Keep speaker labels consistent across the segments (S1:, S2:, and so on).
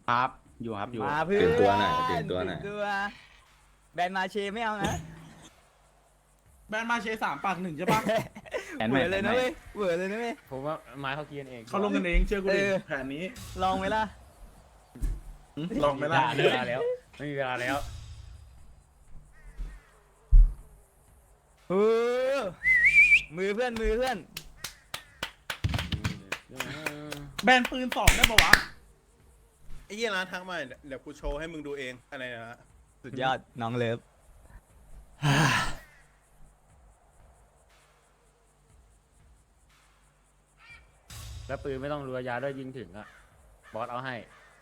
S1: ครับอยู่ครับอยู่
S2: มาเพื่อน
S3: ตื่นตัวหน่อยตื่นตัวหน่อย
S2: แบรนด์มาเชไม่เอานะ
S4: แบนมาเช3 ปาก 1ใช่ปะ
S2: เหวอเลยนะเว้ยเหวอเลยนะเว้ย
S5: ผมว่าไม้เขาเกียนเอง
S4: เขาลงกันเองเชื่อกูดิ
S2: เออ
S4: แผนนี้
S2: ลองไหมล่ะ
S4: ลองไหมล่ะ
S5: ไม่มีเวลาแล้วไม่มีเวลาแล้ว
S2: เออมือเพื่อนมือเพื่อน
S4: แบนปืน2ได้ปะวะ
S6: ไอ้เหี้ยร้านทักมาเดี๋ยวกูโชว์ให้มึงดูเองอะไรนะ
S2: สุดยอดน้องเลิฟ
S5: แล้วปืนไม่ต้องรัวยาด้วยยิงถึงอะบอสเอาให้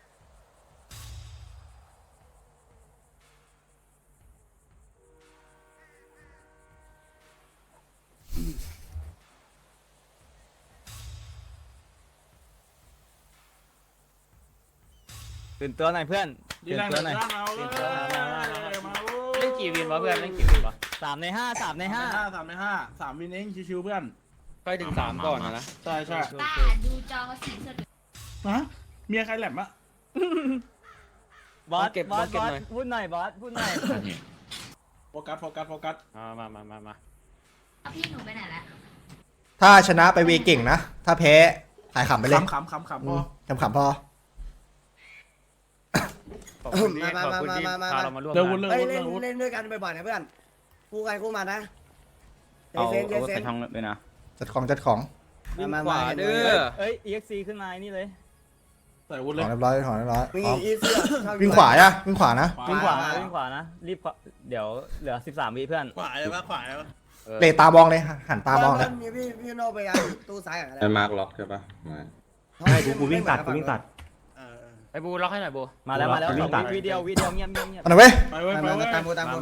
S2: ตื่นตัวหน่อยเพื่อน
S4: ดี
S2: ตื่น
S4: แรง
S2: ตัว
S4: ห
S2: หน่อย
S4: น้าเราเลยมาโว้ย
S5: เล่นกี่วินวะเพื่อนเล่นกี่วินวะ
S2: 3 ใน 5 3 ใน 5
S4: 3 วินเองชิวๆเพื่อน
S5: ค่อยถึง3ก่อนนะ
S4: ใช่ใช่
S7: ตาดูจอสีสด
S4: ฮะเมียใครแหลมอะ
S2: บอสบอสพูดหน่อยบอสพูดหน่อย
S4: โฟกัส
S5: มา
S7: เอาพี่หนูไปไหนแล้ว
S8: ถ้าชนะไปเวเก่งนะ ถ้าแพ้ขายขำไปเลย
S4: ขำพอ
S8: ขำๆพอ
S5: ขอบคุณที่ขอบคุณที่พาเรามาร่วม
S4: เดี๋ยว
S5: งา
S4: วุ้น
S5: น
S4: เรื่อง
S9: เฮ้ย
S4: วุ้น
S9: เล่
S4: เรื่องวุ้น
S9: นเล่นด้วยกันบ่อยๆนะเพื่อนคู่ใครคู่มันนะ
S1: เอา
S9: เซน
S1: เอา
S9: เซ
S1: ใส่
S9: น
S1: ช่องด้วยนะ
S8: จัดของ
S9: มาขวาเด้อ
S2: เอ้ย EXC ขึ้นมานี่เลย
S4: ใส่วุ้น
S8: ข
S4: เล
S8: อย งเรียบร้อยของเรียบร้อย
S9: วิ่ง
S8: พร้อม
S9: อีเสื้อ
S8: วิ่งขวาอะวิ่งขวานะ
S2: วิ่งขวาวิ่งขวานะรีบเดี๋ยวเหลือ13 วิเพื่อน
S6: ขวาเลยปะขวาเลยปะ
S8: เลตามองเลยหันตามองเลย
S9: มีพี่โนไปตู้ซ้ายอะไร
S3: มันมาร์กล็อกใช่ปะมา
S9: ใช่กูวิ่งตัด
S5: ไอ้บูล็อกให้หน่อยบู
S2: มาแล้ววิดีโอเงียบ
S8: เอาหน่อยเว้ย
S4: ไปเว้ยไปเว้ย
S9: ตามกูตามกู
S5: มา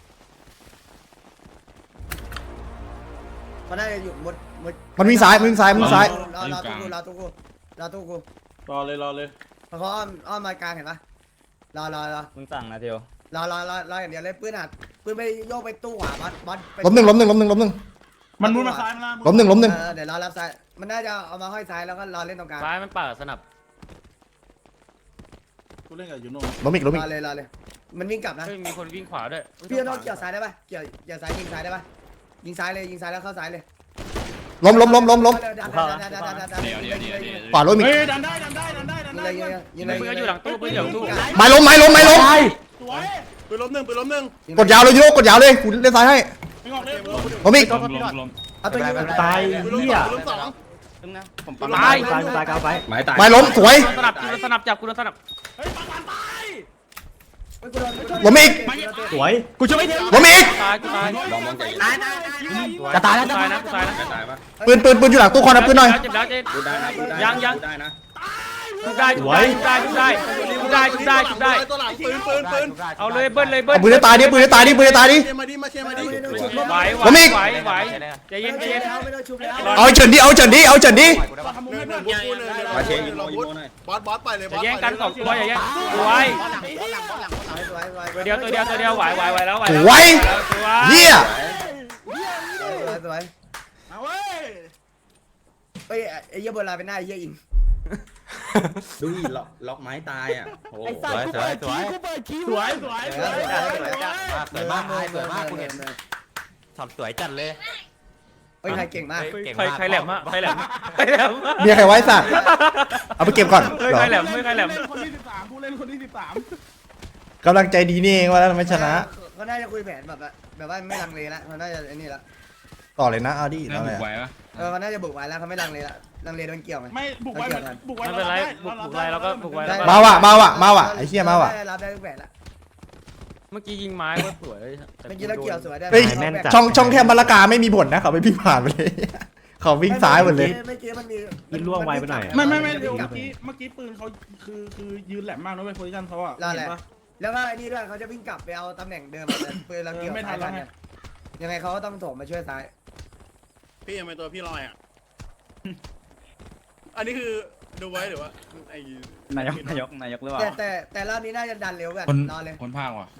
S9: มันได้อยู่หมด
S8: มันวิ่งซ้ายวิ่งซ้าย
S9: รอตู้กู
S4: รอเลย
S9: เพราะอ้อมมากลางเห็นปะรอ
S2: มึงสั่งนะเทียว
S9: รออย่างเดียวเลยปืนหัดปืนไปโยกไปตู้ขวาบอส
S8: ล้มหนึ่ง
S4: มันมุดมาซ้ายมา
S8: ล้มหนึ่ง
S9: เดี๋ยวรอรับซ้ายมันน่าจะเอามาห้อยซ้ายแล้วก็รอเล่นตรงกลาง
S5: ซ้ายมันเปิดสนับ
S4: กูเล่นกับยูโน่
S8: ล้มอีก
S9: รอเลยมันวิ่งกลับนะ
S5: เฮ้ยมีคนวิ่งขวาด้วย
S9: พี่โนเกี่ยวซ้ายได้ปะเกี่ยวซ้ายยิงซ้ายได้ปะยิงซ้ายเลยยิงซ้ายแล้วเข้าซ้ายเลย
S8: ล้มขวาล้มอีก
S4: เฮ้ยดันได้
S9: ยิงเลย
S5: ปืนอยู่หลังตู้ปืนอยู่หลังตู้
S8: ไม้ล้ม
S4: สวย
S6: ปืนล้มหนึ่ง
S8: กดยาวเลยโยกกดยาวเลยกูเล่นซ้ายให้
S4: ไม่ออกเลย
S8: ล้มอีก
S9: เอาตัวยิง
S6: ตายเหี้ยปืนล้มสอง
S1: ผมปั๊ม
S5: ตาย
S3: ไม้ตาย
S8: ไม้ล้มสวย
S5: สนับสนับจับกูสนับ
S4: เฮ้ยปังตาย
S8: ล้มอีก
S1: สวย
S8: กูช่วยล้มอีก
S5: ตาย
S3: มองใจ
S8: จะตายแล้ว
S5: ตายนะ
S3: ตายปะ
S8: ปืนอยู่หลังตู้คอนนะปืนหน่อย
S5: เจ็บแล้วเจ็บ
S3: ดูได้นะดูได้
S5: ยัง
S3: ดูได้นะ
S5: ได้ชุบได้
S6: ตัวหลังปืน
S5: เอาเลยเบิ้ล
S8: เอาปืนให้ตายดิปืนให้ตายดิ
S6: เชียร์มาดิ
S5: ไหวใจเย็น
S9: ไม่ต้องชุบแล้ว
S8: เอาเฉินดิ
S4: ทำมุม
S6: หนึ่
S4: ให้
S6: ง
S4: เพื่อน
S3: มาเชยยิงโมยิงโมหน่อย
S6: บอสไปเลย
S5: จะแย่งกัน2ตัวอย่าแย่งสวยตัวเดียวไหวแล้ว
S8: สวยเฮีย
S9: สวย
S4: มาเว้ย
S9: เฮ้ยไอ้เหี้ยโบราณเป็นหน้าไอ้เหี้ยอิง
S3: ดูดิล็อกไม้ตายอ่ะโอ้
S2: ไอ้สัตว์กูเปิดคิว
S4: สวย
S9: สวยมากกูเห็น
S1: ทำสวยจัดเลย
S9: เฮ้ยใครเก่งมาก
S5: ใครแหลม
S8: เมียใครไว้สัตว์เอาไปเก็บก่อน
S5: ไม่ใครแหลม
S4: คนที่13ผู้เล่นคนที่13
S8: กำลังใจดีนี่เองว่าแล้วไม่ชนะ
S9: เขาน่าจะคุยแผนแบบว่าไม่ลังเลละเขาน่าจะไอ้นี่ละ
S8: ต่อเลยนะเอาดิเอาเลย
S9: เขาน่าจะบุกไว้แล้วเขาไม่ลังเลละลังเลโดนเกี่ยวไหม
S4: ไม่บุกไว้
S5: ไม่เป็นไรบุกไรแล้วก็บุกไว้แล้ว
S8: มาว่ะไอ้เหี้ยมาว่ะ
S9: รับได้ทุกแผนละ
S5: เมื่อกี้ยิงไม้ก็สวย
S9: เมื่อกี้เราเกี่ยวสวยได้
S8: เฮ้ยช่องแคบมะละกาไม่มีผลนะเขาไปวิ่งผ่านไปเลย เขาวิ่งซ้ายหมดเลย
S9: เมื่อกี้มันมี
S1: ล่วงไวไปหน่อย
S4: ไม่เดี๋ยวเมื่อกี้ปืนเขาคือยืนแหลมมากนะเว้ยโพซิชั่นเขาอะ
S9: นั่นแหละแล้วก็ไอ้นี่ด้วยเขาจะวิ่งกลับไปเอาตำแหน่งเดิมปืนเราเกี่ยวซ้ายทันยังไงเขาก็ต้องโถมมาช่วยซ้าย
S6: พี่ยังเป็นตัวพี่ลอยอ่ะอันนี้คือดูไว้หรือว่าไอ้
S1: นายกหรือเปล่า
S9: แต่รอบนี้น่าจะดันเร็วกันรอเลย
S1: คนภาคว่ะ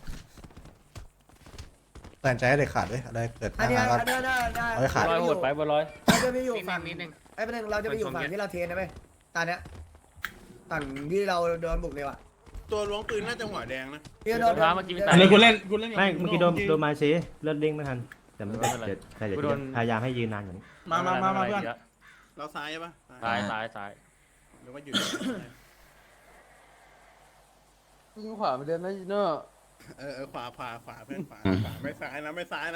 S8: แต่ใจให้เด็กขาดด้วยอะไรเกิด
S9: อันนี้
S8: ก็
S9: ได้
S8: ขาด
S5: ร้อยโหดไปบนร้อย
S9: เราจะไปอยู่ฝั่งไอ้ประเด็นเราจะไปอยู่ฝั่งที่เราเทนนะเว้ยตอนเนี้ยฝั่งที่เราโดนบุกเลยว่ะ
S6: ตัวล้วงปืนน่าจะหัวแดงนะ
S9: พี่โดน
S5: พาเมื่อกี้มัน
S4: อั
S5: ตาน ย
S4: นี้กูเล่นกับ
S1: ไม่เมื่อกี้โดนมาซีเลือดเด้งไม่ทันแต่ไม่
S5: ไม่เป็นไร
S1: เดี๋ยวแต่เดี๋ยว
S5: กูโดน
S1: พยายามให้ยืนนานกว่านี้
S4: มาเพื่อน
S6: เราซ้ายใช่ปะ
S5: ซ้ายซ้ายซ้าย
S6: หรือว่าอยู่
S2: ยิงขวาไปเดินนะเนอะ
S6: ขวาเพื่อนขวาไม่ซ้ายนะไม่ซ้ายนะ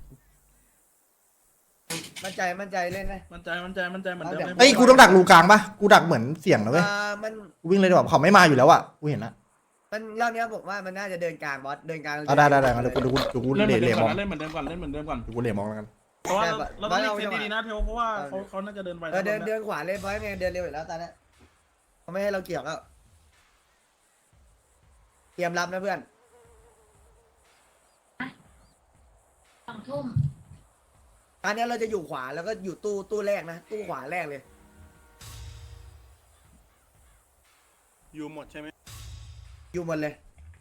S9: มั่นใจเล่นนะ
S4: มันใจเหมือนเดิม
S8: เอ้ยกูต้องดักรูกลางปะกูดักเหมือนเสียงนะเว้ย
S9: มัน
S8: กูวิ่งเลยดีกว่าเขาไม่มาอยู่แล้วอ่ะกูเห็นนะ
S9: มันรอบนี้ผมว่ามันน่าจะเดินกลางบอสเดินกลาง
S8: ได้งั้นเดี๋ยวกู
S4: เล่นเหมือน
S8: เห
S4: เดิ
S8: ลี่ย
S4: ม
S8: มมอง
S4: เล่นเหมือนเดิมก่อนเล่นเหมือนเดิมก่อน
S8: เดี๋ยวกูเหลี่ยมมองแล้วกัน
S4: เพราะว่าเราต้องเล่นดีๆนะเทลเพราะว่าเขาน่าจะเดินไป
S9: เดินขวาเลยบอสไงเดินเร็วอยู่แล้วตอนนี้เขาไม่ให้เราเกี่ยวแล้วเตรียมรับนะเพื่อน
S7: 2 ทุ่ม
S9: ตอนนี้เราจะอยู่ขวาแล้วก็อยู่ตู้แรกนะตู้ขวาแรกเลย
S6: อยู่หมดใช่ไหม
S9: อยู่หมดเลย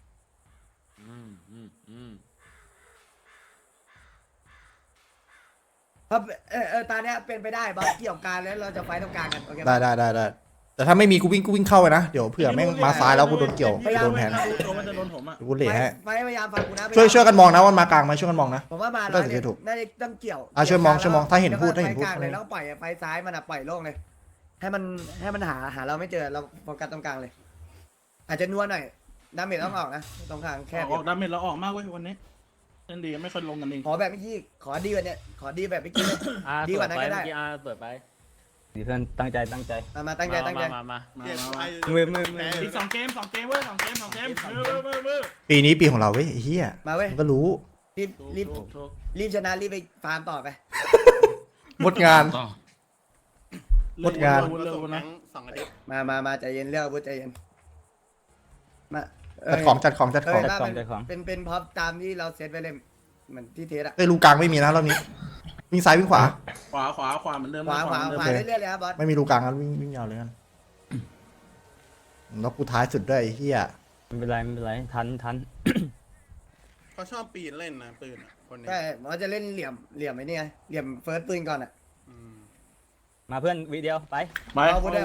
S9: เพราะตอนนี้เป็นไปได้บอสเกี่ยวกันแล้วเราจะไฟตรงกลางกันโอเค
S8: ได้แต่ถ้าไม่มีกูวิ่งเข้าไปนะเดี๋ยวเผื่อแม่งมาซ้ายแล้วกูโดนเกี่ยวโดนแทน
S4: มันจะโดนผมอ่ะ
S8: กูเหลี่ยให้
S9: ไฟพยายามฟังกูนะ
S8: ช่วยกันมองนะวันมากลางไหมช่วยกันมองนะ
S9: ผมว่ามา
S8: ได้สิถูก
S9: น่าจะต้องเกี่ยว
S8: ช่วยมองถ้าเห็นพูด
S9: ไฟกลางเลยแล้วปล่อยไฟซ้ายมันปล่อยโล่งเลย ให้มันหาเราไม่เจอเราโฟกัสตรงกลางเลย อาจจะนัวหน่อยดาเมจต้องออกนะตรงกลางแคบ
S4: ออกดาเมจเราออกมากเว้ยวันนี้เล่นดีไม่ค่อยลงกันเอง
S9: ขอแบบเมื่อกี้ขอดีกว่านี้ขอดีแบบเมื่อกี้เลย ดีกว่านั้นก็ได้
S5: เมื่อกี้เปิดไป
S2: ดีเพื่อนตั้งใจ
S9: มาตั้งใจ
S5: มา
S6: เดี๋ยวไป
S2: มือ
S4: อีก2 เกมเว้ย2 เกมมือ
S8: ปีนี้ปีของเราเว้ยไอ้เหี้ย
S9: มาเว้ย
S8: มันก็รู้
S9: รีบชนะรีบไปฟาร์มต่อไป
S8: หมดงาน
S6: เราส่งทั้ง2 อาทิตย์
S9: มาใจเย็นเรื่องพูดใจเย็นมา
S8: จัดของ
S9: เป็นพ็อปตามที่เราเซตไว้เลยเหมือนที่เทสอะ
S8: เอ้ยรูกลางไม่มีนะรอบนี้วิ่งซ้ายวิ่งขวา
S4: ขวาเหมือนเดิม
S9: ขวาเรื่อยๆเลยครับบอส
S8: ไม่มีรูกลางแล้ววิ่งยาวเลยกันแล้วกูท้ายสุดด้วยไอ้เหี้ย
S2: ไม่เป็นไรทัน
S6: เขาชอบปีนเล่นนะปืนคนนี้
S9: ใช่มันจะเล่นเหลี่ยมไอ้นี่ไงเหลี่ยมเฟิร์สปืนก่อนอะ
S2: มาเพื่อนวิดีโอไป
S4: ไป
S9: เอาพูดได้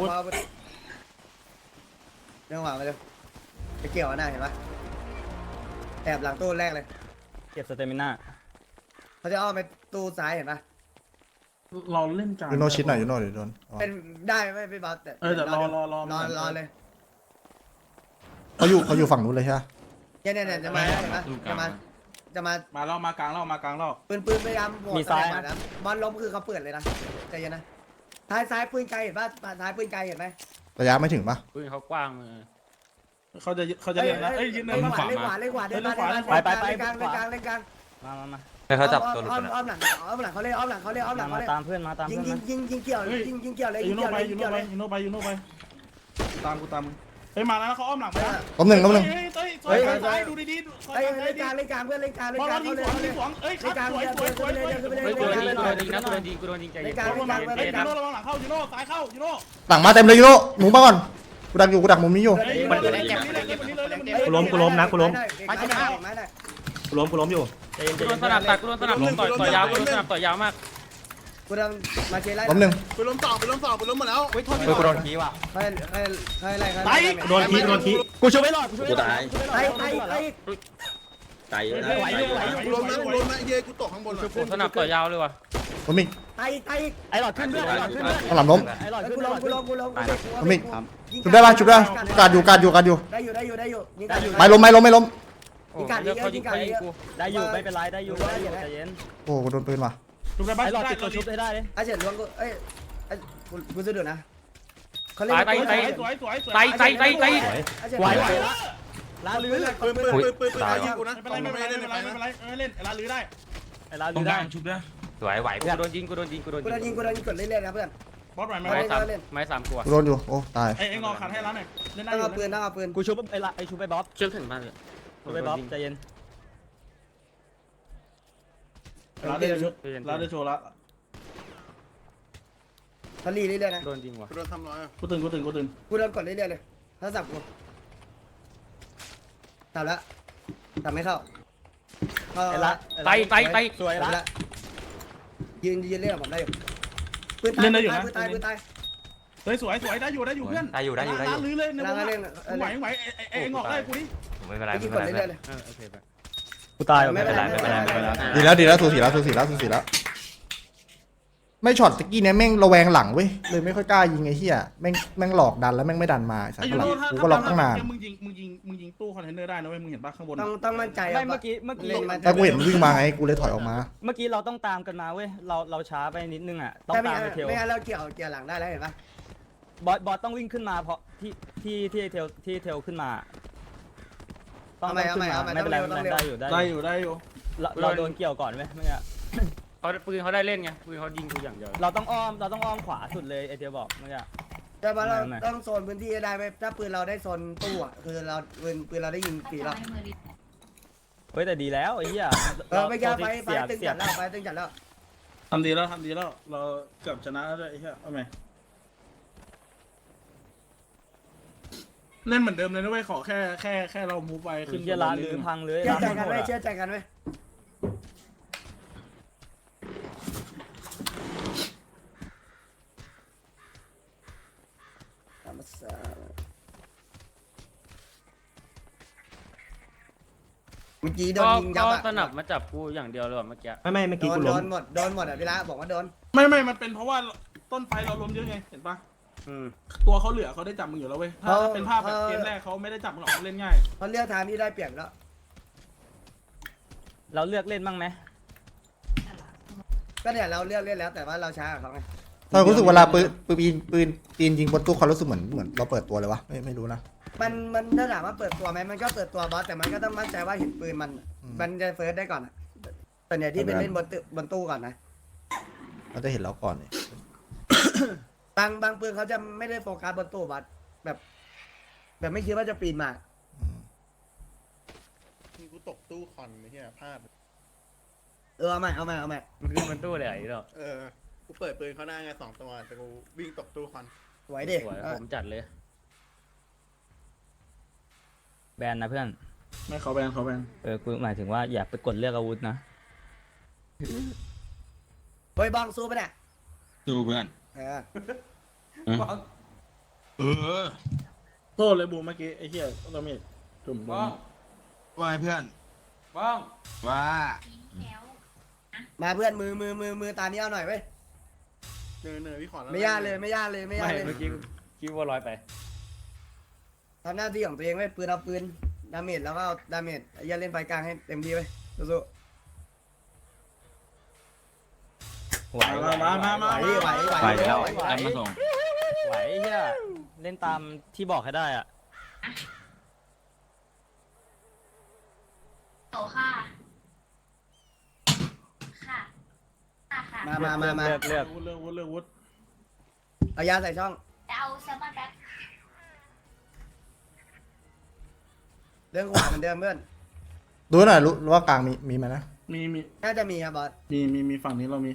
S9: เรื่องหวานมาเร็วไปเกี่ยวหน้าเห็นปะแอบหลังตู้แรกเลย
S2: เก็บสเตมิน่า
S9: เขาจะอ้อมไปตู้ซ้ายเห็นปะ
S4: เราเล่นกัน
S8: ยูโนชิดหน่อยยูโนเดี๋ยวโดน
S9: เป็นได้ไม่บอสแต่
S4: แต่รอ
S9: เลย
S8: เขาอยู่ฝั่งนู้นเลยใช่ไหม
S9: เนี่ยจะมาเห็นปะจะมา
S4: มาเล่ามากลางเล่า
S9: ปืนพยายามนะบอลล้มคือเขาเปิดเลยนะใจเย็นนะซ้ายปืนไกลเห็นปะซ้ายปืนไกลเห็นไหม
S8: ระยะไม่ถึงปะ
S5: ปืนเขากว้างมือ
S4: เขาจะเล่นนะยืนเดิน
S9: เล่นขวาเดินมาเล่นกลาง
S2: มา
S1: ให้เขาจับตัวหลุด
S9: อ้อมหลังเขาเล่นอ้อมหลังเขาเล่น
S2: ตามเพื่อนมา
S9: ยิงเกี่ยวเลยยิงเกี่ยวเลย
S4: ยูโนไปตามกูตามเฮ้ยมาแล้วเขาอ้อมหลังไป
S8: ล้มหนึ่ง
S4: เฮ้ยซ้ายดูดีๆ
S9: เล่นกลางเพื่อนเล่นกลาง
S4: บอลยิงสวนเอ้ยครับสวย
S5: กูโดนยิงใจเย็น
S4: ยูโน่ระวังหลังเข้ายูโน่ซ้ายเข้ายูโน่
S8: หลังมาเต็มเลยยูโนหนูมาก่อนกูดักมุมนี้อยู่
S1: กูล้มอยู่
S5: กูโดนสนับตัดกูโดนสนับต่อยยาวกูโดนสนับต่อยยาวมาก
S9: กูทำมาเชไล่
S8: ล้มหนึ่ง
S6: ปืนล้มหมดแล้ว
S1: กูโดนขี้ว่ะ
S9: ใครไล่
S1: โดนขี้
S2: กูช่วยไม่รอด
S3: กูตาย
S9: ไล่
S3: ตายเยอะนะ
S6: กูล้มนะเย้กูตกข้างบนเลย
S5: สนับต่อยยาวเลยว่ะ
S8: ล้มอีก
S9: ไอ้หลอดขึ้นด้วย
S8: ข้างหลังล้ม
S2: ไอ้หลอดขึ้น
S9: กูลง
S8: ล้มอีกชุบได้ปะการอยู่
S9: ได้อยู่
S8: ไม่ล้ม
S5: เขายิงกู
S2: ได้อยู่ไม่เป็นไรได้อยู่ใจเย็น
S8: โอ้กูโดนปืนว่ะ
S4: ดูได้บ้าง
S2: ไอ้หลอดติดตัวชุบได้เลย
S9: ไอ้เฉินล้วงกูเอ้ยกูจะดูนะเขาเล่น
S4: สวย
S5: ไต
S9: ไหวละลาลื้อ
S6: ปืนยิงกูนะ
S4: ไม่เป็นไรเล่นร้านลื้อได้
S2: ไอ้ลาลืมได้
S5: ไหวกูโดนยิง
S9: กูโดนยิงกดเรื่อยๆนะเพื่อน
S4: บอสไหวไหม
S5: ไม้3ขวด
S8: กูโดนอยู่โอ้ตาย
S4: ไอ้งอขัดให้ร้านหน่อยเล่นได้
S9: ต้อง
S4: อยู่
S9: เอาปืน
S2: กูชุบไอ้ชุบไปบ๊อบ
S5: เชื่อถึงมากเลย
S2: ชุบไปบ๊อบใจเย็น
S4: ร้านได้โชว์ละ
S9: ทะลีเรื่อยๆนะ
S5: โดนยิงว่ะ
S6: กูโดนทำร้อย
S4: กูตื่น
S9: กูโดนกดเรื่อยๆเลยถ้าสับกูตับแล้วตับไม่เข้า
S2: ไอ้ละ
S5: ไต
S2: สวยละ
S9: ยืนเล่นกับผมได้อยู่ปืนตาย
S4: เฮ้ยสวยได้อยู่เพื่อน
S5: ได้อยู่ลื้อ
S4: เลยใน
S9: นั่ง
S4: วง
S9: เล่น
S4: ไหวเอ็งออกได้กูดิ
S5: ไม่เป็นไร
S9: ไม่
S5: ไม่
S9: กี่
S5: เป็นไร
S9: คนเรื่อยๆเลย
S5: โอเคไป
S2: กูตาย
S9: ไม่เป็นไรไม่เป็นไรไม่เป็นไร
S8: ดีแล้วสูสีแล้วไม่ช็อตตะกี้เนี่ยแม่งระแวงหลังเว้ยเลยไม่ค่อยกล้ายิงไอ้เหี้ยแม่งหลอกดันแล้วแม่งไม่ดันมาไอ้สัตว์หลังกูก็ล็อกตั้งนาน
S4: มึงยิงตู้คอนเทนเนอร์ได้นะเว้ยมึงเห็นปะข้างบน
S9: ต้องมั่นใจ
S2: ไม่เมื่อกี้
S9: เล่นมัน
S8: แต่กูเห็นมันวิ่งมาไงกูเลยถอยออกมา
S2: เมื่อกี้เราต้องตามกันมาเว้ยเราช้าไปนิดนึงอ่ะต้อง
S9: แต่ไม่
S2: ตามไปเทล
S9: งั้นเราเกี่ยวหลังได้แล้วเห็นปะ
S2: บอสต้องวิ่งขึ้นมาเพราะที่เทลขึ้นมาต้องขึ้นมาไม่เป็นไรได้อยู่
S4: ได้อยู่
S2: เราโดนเกี่ยวก่อนไหมเมื่อกี้
S5: เขาปืนเขาได้เล่นไงปืนเขายิงกูอย่างเดียว
S2: เราต้องอ้อมขวาสุดเลยไอเทลบอกเมื่อกี้
S9: แต่ว่าเราต้องโซนพื้นที่ได้ไหมถ้าปืนเราได้โซนตู้อ่ะคือเราปืนเราได้ยิงกี่รอบ
S2: เฮ้ยแต่ดีแล้วไอ้เหี้ย
S9: ไม่แก้ไฟตึงจัดแล้วไฟตึงจัดแล้ว
S4: ทำดีแล้วเราเกือบชนะแล้วด้วยไอ้เหี้ยเอาไหมเล่นเหมือนเดิมเลยนะเว้ยขอแค่เรามูฟไป
S2: ขึ้นเยลาหรือพังเลย
S9: เชื่อใจกันไหมเชื่อใจกันไหมเมื่อกี้โดนยิงยับ
S5: ก็
S9: อ่ะ
S5: สนับมาจับกูอย่างเดียวเลยเมื่อกี้
S1: ไม่เมื่อกี้กู
S9: โด
S1: ล้ม
S9: นหมดอ่ะพี่ละบอกว่าโดน
S4: ไม่มันเป็นเพราะว่าต้นไฟเราล้มเยอะไงเห็นปะตัวเขาเหลือเขาได้จับมึงอยู่แล้วเว้ยถ้าเป็นภาพแบบเกมแรกเขาไม่ได้จับมึงหรอกเขาเล่นง่าย
S9: เพราะเลือกทางที่ได้เปรียบแล้ว
S2: เราเลือกเล่นบ้างไหม
S9: ก็เนี่ยเราเลือกเล่นแล้วแต่ว่าเราช้ากว่าเขาไง
S8: ตอนรู้สึกเวลาปืนยิงบนตู้ความรู้สึกเหมือนเราเปิดตัวเลยวะไม่รู้นะ
S9: มันถ้าถามว่าเปิดตัวไหมมันก็เปิดตัวบอสแต่มันก็ต้องมั่นใจว่าเห็นปืนมันจะเฟิร์สได้ก่อนอ่ะแต่เนี่ยที่เป็นเล่นบนตู้ก่อนนะ
S8: เราจะเห็นเราก่อนเนี่ย
S9: บางปืนเขาจะไม่ได้โฟกัสบนตู้บอสแบบไม่คิดว่าจะปีนมา
S6: กูตกตู้คอนไอ้เหี้ยพลาด
S9: เอาใหม่
S5: มันขึ้นบนตู้เลยไอ้ดอก
S6: กูเปิดปืนเขาหน้าไง2 ตัวแต่กูวิ่งตกตู้คอน
S9: ไหวดิ
S5: สวยผมจัดเลย
S2: แบนนะเพื่อน
S4: ไม่เขาแบน
S2: กูหมายถึงว่าอย่าไปกดเลือกอาวุธนะ
S9: เฮ้ยบ้องสู้ปะเนี่ย
S3: ดูเพื่อน
S4: โทษเลยบูมเมื่อกี้ไอ้เหี้ยเราไม่จุ่มโดน
S3: ว่าเพื่อน
S5: บ้อง
S3: ว่า
S9: มาเพื่อนมือตานี้เอาหน่อยเว้ย
S6: เนยพี่ขอแล้ว
S9: ไม่ยากเลย
S5: ไม่เมื่อกี้คิดว่าลอยไป
S9: ทำหน้าที่ของตัวเองเว้ยปืนเอาปืนดาเมจแล้วก็เอาดาเมจอย่าเล่นไฟกลางให้เต็มที่เว้ยสู้
S2: ไหว
S4: มา
S2: ไหวเฮียเล่นตามที่บอกให้ได้อ่ะ
S7: โตค่ะค่ะ
S9: มา
S2: เลือก
S4: วุฒ
S9: เอายาใส่ช่อง
S7: จะเอาแซลมอนแบ็ค
S9: เรื่องขวาเหมือนเดิมเพื่อน
S8: ดูหน่อยรู้ว่ากลางมีไหมนะ
S4: มี
S9: น่าจะมีครับบอส
S4: มีฝั่งนี้เรามี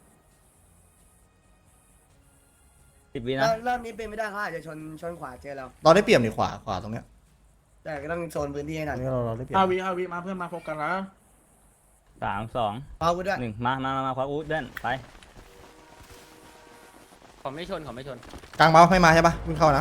S2: 10 วินะ
S9: เริ่มนี้เป็นไม่ได้เขาอาจจะชนขวาเจอเรา
S8: เราได้เปรียบในขวาตรงเนี้ย
S9: แต่ก็ต้องโซนพื้นที่ให้หน่
S8: อั
S9: อน ย
S8: นี้เราได้เปรียบ
S4: 5 วิมาเพื่อนมาโฟกัสแล้ว
S2: 3 2
S9: เอากูด้วย
S2: 1มาควักอาวุธเด่นไป
S5: ขอไม่ชน
S8: กลางเมาส์ไม่มาใช่ปะวิ่งเข้านะ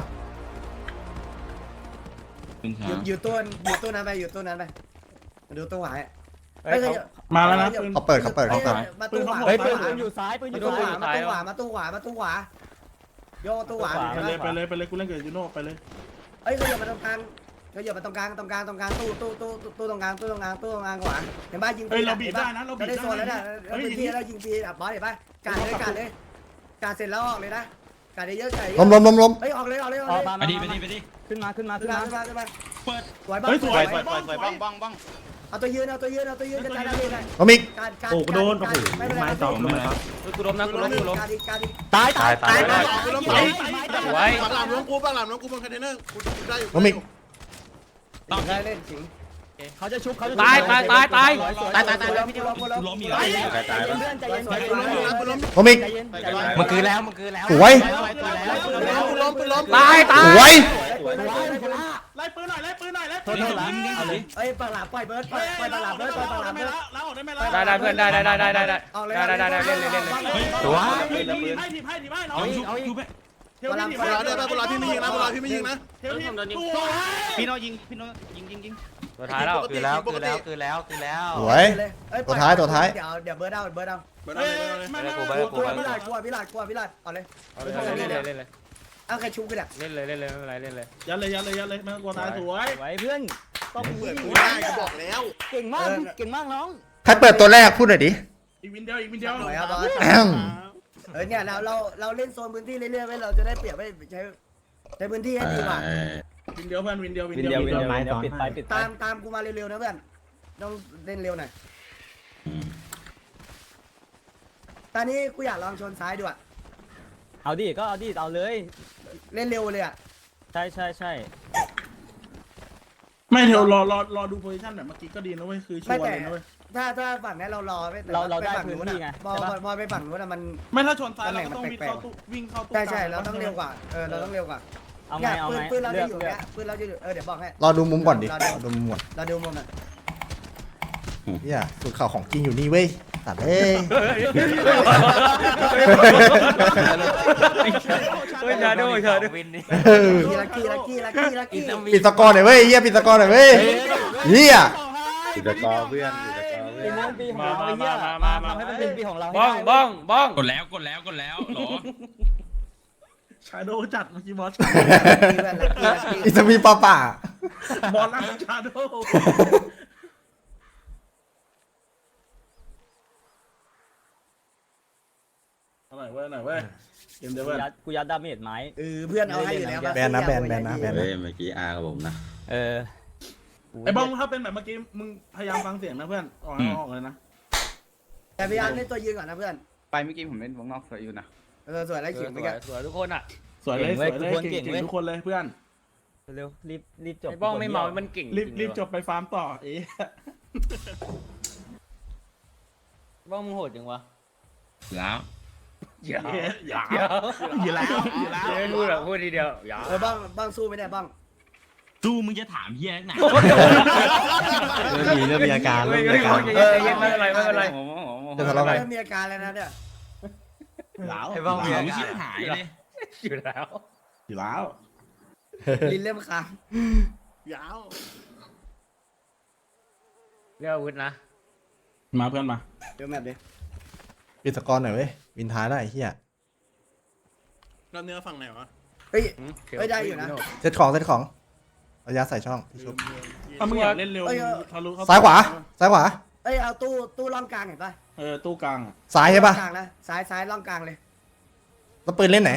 S9: อยู่ตู้นั้นไปอยู่ตู้นั้นไปดูตู้ขวา
S2: เฮ้ย
S4: มาแล้วนะ
S8: เขาเปิด
S9: มาตู้ขวา
S2: เฮ้ยปืนอยู่ซ้ายปืนอ
S9: มา
S2: ยู่
S9: ตู้
S2: ซ้าย
S9: ขวามาตู้ขวาโยตู้ขวา
S4: ไปเลยกูเล่นกับยูโน่ไปเลย
S9: เฮ้ยเขาอยู่มาตรงกลางตู้ตรงกลางตู้ตรงกลางตู้ตรงกลางขวาเห็นป่ะยิง
S4: เฮ้ยเราบีบได้นะเราบีบ
S9: ได้โซนแล้ว
S4: ได้
S9: นะแล้วพื้นที่แล้วยิงฟรีบอสเห็นป่ะกาดเลยกาดเสร็จแล้วออกเลยนะกาดเยอะไก่
S8: ล้ม
S9: เฮ้ยออกเลย
S2: ไปดิขึ้นมา
S9: ขึ้นมาเปิดสวยบ้าง
S6: สวยบ้อง
S9: เอาตัวยืนกระจายได้เลย
S8: ล้มอีก
S1: โอ้กูโดนโอ้โหไม้สองไม้สอง
S5: กูล้มนะกูล้ม
S9: การดี
S2: ตาย
S5: ไว้
S6: ปากหลามน้องกูบนคอนเทนเนอร์กูได้อยู่
S8: ล้มอีก
S9: ได้เล่นสิง
S2: เขาจะชุบเขาจะ
S5: ตาย
S9: ล้มอีกเพื่อนใจเย็น
S8: ล้มอีก
S2: มันคือแล้ว
S8: สวย
S6: กูล้ม
S5: ตาย
S8: สวย
S4: ไล่ปืนหน่อย
S9: เอ้ยปากหลาปล่อยเบิร์ดปล่อยปากหลาเบิร์ดแล้วออกได้ไหมล่ะ
S5: ได้เพื่อนได้เล่น
S9: เอาเลย
S5: ตัว
S4: ให้ทีให้น้อง
S9: ที
S4: เทลพี่
S6: บุรอด้วยป่ะบุรอพี่ไม่ยิงนะบุรอพี่ไม่ยิงนะ
S4: เทลพี่ตัว
S3: พี่โนยิงยิง
S5: ตัวท้ายแล้ว
S6: คือแล้ว
S8: สวยตัวท้าย
S9: เดี๋ยวเบิร์ดเอา
S6: เบิร์ดเอาเลย
S4: ไม่
S9: กลัวพี่ลาดเอาเลย
S5: เล่นเลย
S9: เอาใครชุบกันอ่ะ
S5: เล่นเลยไม่เป็นไรเล่นเลย
S4: ยันเลยไม่ต้องกลัวตายสวย
S2: ไว้เพื่อน
S6: ก็เปิดกูได้ก็บอกแล้ว
S2: เก่งมากเก่งมากน้อง
S8: ใครเปิดตัวแรกพูดหน่อยดิ
S4: อีกวินเดียว
S9: สวยครับบอส
S8: แอม
S9: เนี่ยเราเล่นโซนพื้นที่เรื่อยๆไว้เราจะได้เปรียบไว้ใช้พื้นที่ให้ดีกว่า
S4: วินเดียวเพื่อนวินเดียว
S2: วินเดียวปิดไป
S9: ตามกูมาเร็วๆนะเพื่อนต้องเล่นเร็วหน่อยตอนนี้กูอยากลองชนซ้ายดูอ่ะ
S2: เอาดิก็เอาดิเอาเลย
S9: เล่นเร็วเลยอ่ะ
S2: ใช่
S4: ไม่เทลรอดูโพซิชั่นแบบเมื่อกี้ก็ดีนะเว้ยคือชัวร์เลยนะเว้ย
S9: ถ้าฝั่งนี้เรารอไป
S2: เราได้
S9: ฝั่ง
S2: พื้น
S9: นู้น
S2: ที่ไง
S9: อ่ะพอไปฝั่งนู้นอ่ะมัน
S4: ไม่ถ้าชนซ้ายเราก็ต้องวิ่งเข้าตู้
S9: ใช่เราต้องเร็วกว่าเราต้องเร็วกว่า
S2: เอาไงเอาไง
S9: ปืนเรา
S2: เลื
S9: จะ
S2: อก
S9: อยู่
S2: เลือ
S9: เนี้
S2: ก
S9: ยปืนเราจะอยู่เดี๋ยวบอกให้
S8: รอดูมุมก่อนดิรอดูมุมก่อน
S9: เราดูมุมอ่ะ
S8: เฮียสุดข่าวของจริงอยู่นี่เว้ยตัดเอ้ย
S5: ชาโดชาโด
S9: ลักกี้
S8: ปิดสกอร์หน่อยเว้ยเฮียปิดสกอร์หน่อยเว้ยเฮีย
S3: อยู่ตะกอเพื่อนอยู่ตะกอเพื่อน
S2: ปีของเราเหี้ยมาทำให้มันเป็นปีของเรา
S5: บ้อง
S10: กดแล้วหรอ
S4: ชาโดจัดเมื่อกี้บอส
S8: อิสมีป่า
S4: บอลล่างชาโดหน่อยเว้ยเกมเดียวเว้ย
S2: กูยัดดาเมจไม้
S9: เพื่อนเอาให้อยู่แล้ว
S8: แบนนะ
S3: เฮ้ยเมื่อกี้อากับผมนะ
S4: ไอ้บ้องถ้าเป็นแบบเมื่อกี้มึงพยายามฟังเสียงนะเพื่อนออกเลยนะ
S9: แต่พยายามเล่นตัวยืนก่อนนะเพื่อน
S3: ไปเมื่อกี้ผมเล่นวงนอกสวยอยู่นะ
S9: สวยแล้วขิงไปกัน
S5: สวยทุกคนอ่ะ
S4: สวยเลยเก่งทุกคนเลยเพื่อน
S2: เร็วรีบจบ
S5: ไอ้บ้องไม่เมามันเก่ง
S4: รีบจบไปฟาร์มต่อเอ๊ะ
S5: บ้องมึงโหดจังวะ
S10: แล้ว
S4: อย่า
S5: พูดทีเดียวอย่า
S9: บ้างสู้ไม่ได้บ้าง
S10: สู้มึงจะถามเฮียไหน
S1: เริ่มมีอาการ
S5: ไม่เป็นไร
S8: จะทะเลาะกัน
S9: เริ่มมีอาการแล้วนะเนี่ย
S10: ไอ้บ้ามึงชิบหายเลย
S5: อยู่แล้ว
S4: อยู่แล้ว
S9: ลิ้นเริ่มค้าง
S6: ยาว
S5: เรียกอาวุธนะ
S4: มาเพื่อนมา
S9: เดี๋ยวแมปดิ
S8: ปิดสกอร์หน่อยเว้ยวินท้ายได้เฮีย
S6: เราเนื้อฝั่งไหนวะ
S9: เฮ้ยได้อยู่นะ
S8: เซตของระยะใส่ช่องที่ชุบ
S4: ถ้ามึงอยากเล่นเร็วทะลุ
S8: ซ้ายขวา
S9: เอ้ยเอาตู้ร่องกลางเห็นป่ะ
S4: ตู้กลาง
S8: ซ้ายใช่ปะ
S9: กลางนะซ้ายร่องกลางเลย
S8: แล้วปืนเล่นไหน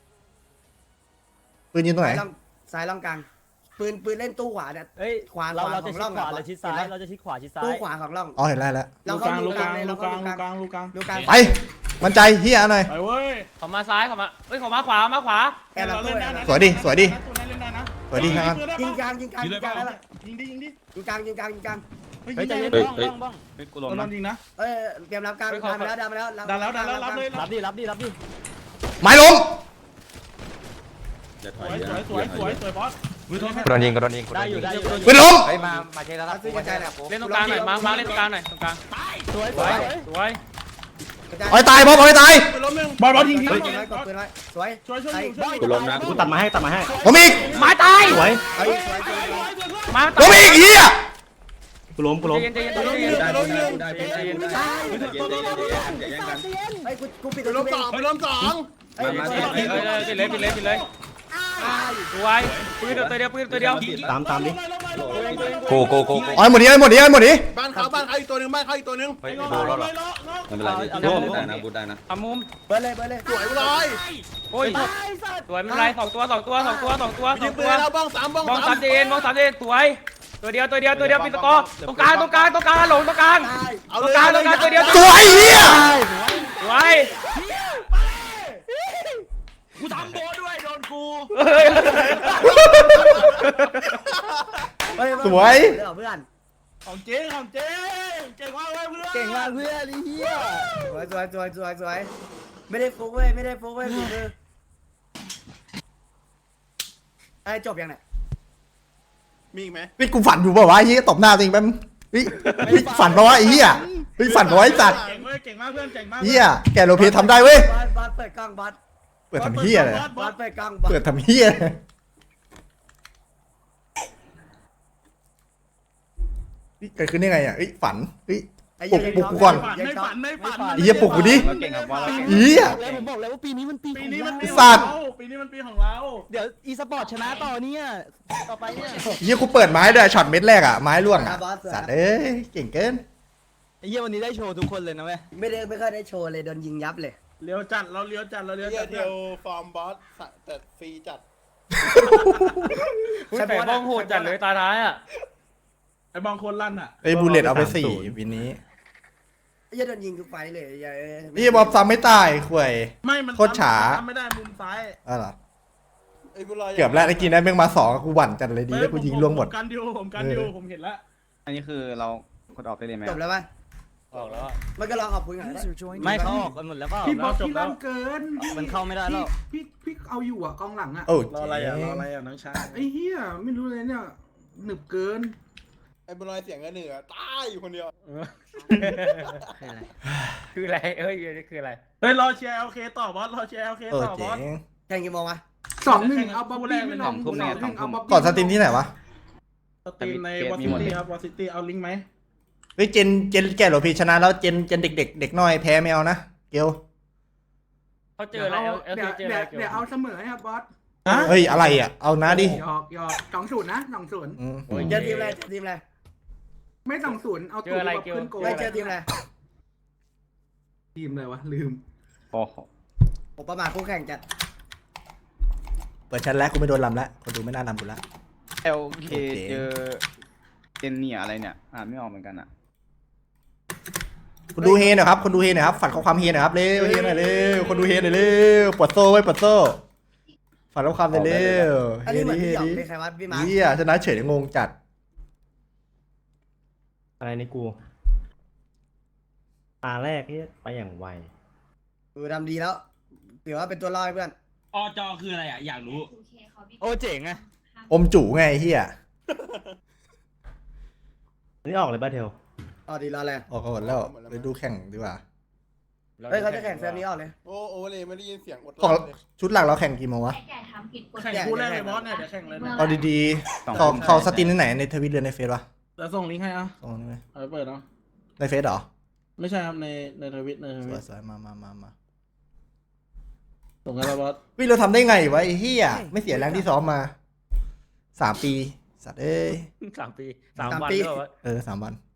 S8: ปืนยืนตรงไหน
S9: ซ้ายร่องกลางปืนเล่นตู้ขวาเนี่ย
S2: เอ้ย
S9: ขวา
S2: เราจะ
S9: ของ
S2: ชิ
S9: ร่
S2: ด
S9: อง
S2: ขวา
S9: อะ
S2: เราชิดซ้ายเราจะชิดขวาชิดซ้าย
S9: ตู้ขวาของร่อง
S8: อ๋อเห็นแล้ว
S9: เราเข้าดูกลางเลยเราเข้าดูกลาง
S4: ลูกกลาง
S9: ดูกลาง
S8: ไปมันใจเฮียหน่อย
S4: ไปเว้ย
S5: เขามาซ้ายเขามาเฮ้ยเขามาขวามาขวา
S9: แอนเราตู้
S8: สวยดิ
S4: ตัวนี้เล่นได้นะ
S8: สวยดีครับ
S9: ยิงกลางแล้วล่ะ
S4: ยิงดิ
S9: ยิงกลาง
S2: เฮ้ยใจเย็นบ้อง
S3: กูล
S4: โด
S3: ง
S4: น
S3: นะ
S4: ยิงนะ
S9: เอ้ยเตรียมรับกลางดันมาแล้ว
S4: ดันแล้วรับเลย
S2: รับดิ
S8: ไม้ลง
S3: จะถ
S4: ส
S3: อย
S4: วยบอส
S10: กระโดนยิง
S2: ได้อยู่
S8: ปืนล้ม
S3: เฮ้ยมาเชแล้วครับ
S9: ซื้อกระจายแหละ
S5: เล่นตรงกลางหน่อยมาเล่นตรงกลางหน่อยตรงกลาง
S2: สวย
S5: สวย
S8: อ้อยตายบอลตาย
S4: ไปล้มหนึ่งบอลยิงที
S9: กดปืนไว้สวย
S4: ช่วย
S3: กูลงนะ
S1: กูตัดมาให้
S8: ผมอีก
S5: ไม้ตาย
S1: สวย
S9: เฮ้ยสวย
S5: มา
S8: ผมอีกเฮีย
S1: กูล้ม
S5: ใจเย็น
S3: ได้อย่าแย่งกัน
S9: เฮ้ยกูปิด
S6: ไปล้มสองไปล้มสอง
S3: มา
S5: ปิดเลยสวยปืนตัวเดียว
S1: ตามดิ
S10: โก
S8: อ้อยหมดดิอ้อยหมดดิ
S6: บ้านเขาอีกตัวหนึ่งบ้านเขาอีกตัวหนึ่ง
S10: เฮ้ยโดนแล้วเหรอ
S3: ไม่เป็นไรได้นะบูได้นะ
S5: ทำมุม
S9: เปิดเลย
S6: สวยลอย
S5: โอ้ยสวยไม่เป็นไร2 ตัว
S6: ยิงปืนแล้วบ้อง3บ้อง
S5: มอง3เจนสวยตัวเดียวปิดตะกอตรงกลางหลงตรงกลางตัวเดียว
S8: สวยเฮีย
S5: สวย
S10: กูทำโบด้วยโดนกู
S8: สวย
S9: เพื่อน
S4: ของเจ๊เก่งมากเลยเพื่อน
S9: เก่งมากเพื่อนไอ้เหี้ยสวยไม่ได้ฟุกเว้ยฝีมือไอ้จบยังไง
S6: มีอีกไหม
S8: พี่กูฝันอยู่ป่าวะเฮียตบหน้าจริงแป๊บพี่ฝันป่าวะไอ้เฮียพี่ฝันป่าวะไอ้สัตว์
S4: เก่งมากเพื่อนเก่งมาก
S8: เฮียแกโลเพทำได้เว้ย
S9: บอสเปิดกล้องบอส
S8: เปิดทำเฮียเลย
S9: บอสไปกลาง
S8: เปิดทำเฮียเลยเกิดขึ้นได้ไงอ่ะเอ้ยฝันเฮ้ย
S9: ไอ้
S8: ปลุกกูก่อน
S4: ไม่ฝันไม่ฝัน
S8: ไอ้เหี้ยปลุกกูดิ
S5: เราเก่งกับบอลเราเก่ง
S8: เฮีย
S2: ผมบอกแล้วว่าปีนี้มันปี
S4: ปีนี้มันปี
S8: ไอ้
S4: ของ
S8: สัตว์
S4: เราปีนี้มันปีของเรา
S2: เดี๋ยวอีสปอร์ตชนะต่อเนี่ยต่อไปเนี่ย
S8: เฮียกูเปิดไม้ด้วยช็อตเม็ดแรกอ่ะไม้ร่วง
S9: นะ
S8: อ่ะ
S9: บอส
S8: สัตว์เอ้ยเก่งเกิน
S2: ไอ้เหี้ยวันนี้ได้โชว์ทุกคนเลยนะเว้ย
S9: ไม่ค่อยได้โชว์เลยโดนยิงยับเลย
S4: เลี้ยวจัดเราเลี้ยวจัดเราเลี้ยว
S6: เฮี
S4: จั
S6: ย
S4: ด
S6: เทลฟอร์มบอสแต่ฟรีจัด
S5: แต่บ้องโหดจัดเลยตาท้ายอ่ะ
S4: ไอ้บางคนลั่นอ่ะ
S8: ไอ้บูเลตเอาไป4วินนี้
S9: ไอ้เหี้ยโดนยิงทุกไฟเลยไอ้
S8: นี่บอลซ้ำไม่ตายข่วย
S4: ไม่มัน
S8: โคตรฉา
S4: ทำไม่ได้มุมซ้าย
S8: อ๋อเหรอ
S6: ไอ้บุรอย
S8: เกือบแล้วไอ้กินได้แม่งมา2กูหวั่นจัดเลยดีแล้วกูยิงล่วงหมด
S4: ผมกันดิวผมเห็นแล้ว
S5: อันนี้คือเรากดออกได้เลยไหม
S9: จบแล้วป่ะ
S5: ออกแล้ว
S9: มันก็ลองขอบคุณกันได้
S2: ไม่เขาออกกันหมดแล้วเปล่า
S4: พี่บอสพี่ลั่นเกิน
S2: มันเข้าไม่ได้แล้ว
S4: พี่เอาอยู่อ่ะกองหลังอ่ะ
S8: โอ้
S3: รออะไรอ่ะน้องชาย
S4: ไอ้เหี้ยไม่รู้เลยเนี่ยหนึบเกิน
S6: ไอ้บุรอยเสียงกันเหนือตายอยู่คนเดียว
S5: คืออะไรเอ้ยคืออะไร
S4: เฮ้ยรอเชียร์โอเคต่อบอสรอเชียร์โอเค
S8: เออ
S4: ต่อบ
S8: เจ๋
S4: อส
S8: ง
S9: แข่งกี่โมงวะ
S4: 2-1เอาบ๊อบบี้ไม่ลง 2-1เอาบ๊อบบี้
S8: ก่อนสตรีมที่ไหนวะ
S4: สตรีมในวอซิตี้ครับวอซิตี้เอาลิงก์ไหม
S8: เฮ้ยเจนแก่หรอพี่ชนะแล้วเจนเด็กน้อยแพ้ไม่เอานะเกล
S5: เขาเจอแล้วเจอแล้ว
S4: เดี๋ยวเอาเสมอให้ครับบอส
S8: เฮ้ยอะไรอ่ะเอานะดิ
S4: หยอก2-0นะ2-0
S8: อืม
S9: เจอทีมอะไรเจอทีมอะไร
S4: ไม่2-0เอาตัวแบบขึ้นโกล
S9: ไม่เจอทีมอะไร
S4: ทีมอะไรวะลืม
S5: โอ้โห
S9: ผมประมาทคู่แข่งจัด
S8: เปิดชั้นแล้วกูไม่โดนลำแล้วคนดูไม่น่าลำกูละ
S5: LK เจอเจนเนี่ยอะไรเนี่ยอ่านไม่ออกเหมือนกันอ่ะ
S8: คนดูเฮหน่อยครับคนดูเฮหน่อยครับฝันข้อความเฮหน่อยครับเร็วเฮหน่อยเร็วคนดูเฮหน่อยเร็วปวดโซ่ไว้ปวดโซ่ฝันข้อความหน่อยเร็ว
S9: อัน
S8: เฮ
S9: นี้เหมือน
S8: ดิ
S9: พี่
S8: เฮ
S9: หยอง
S8: ดิ
S9: เป็นใครวะพี่มาร์ค
S8: เฮียชนะเฉยงงจัด
S1: อะไรในกูตาแรกที่ไปอย่างไว
S9: ทำดีแล้วถือว่าเป็นตัวรอดให้เพื่อน
S10: อจอคืออะไรอ่ะ อยากรู้
S2: โอ้เจ๋งไง
S8: อมจู่ไงไอ้เฮีย
S1: อันนี้ออกเลยบ้าเทล
S9: อ๋อดีรอเลย
S8: ออกก่อนแล้วไปดูแข่งดีกว่า
S9: เฮ้ยเขาจะแข่งเซฟนี้ออกเลย
S6: โอ้เลยไม่ได้ยินเสียงอด
S8: ของ
S6: เลย
S8: ชุดหลักเราแข่งกี่โมงวะ
S7: แก่ทำผิดกฎ
S4: แข่งคู่แรกเลยบอสเนี่ยเดี๋ยวแข่งเลยเนี่ย
S8: เอาดีๆเขาสตรีมที่ไหนในทวิตหรือในเฟซวะ
S4: จะส่งลิงก์ให้อ่ะ
S8: ตรงนี้ไหม
S4: เอาไปเปิดเนาะ
S8: ในเฟซเหรอ
S4: ไม่ใช่ครับในทวิต
S8: สวยๆมา
S4: ส่งกันแล้วบอส
S8: วิเราทำได้ไงวะไอ้เฮียไม่เสียแรงที่ซ้อมมา3 ปีสัตว์เอ้ย
S5: 3 ปี 3 วันแล้ว
S8: 3 วัน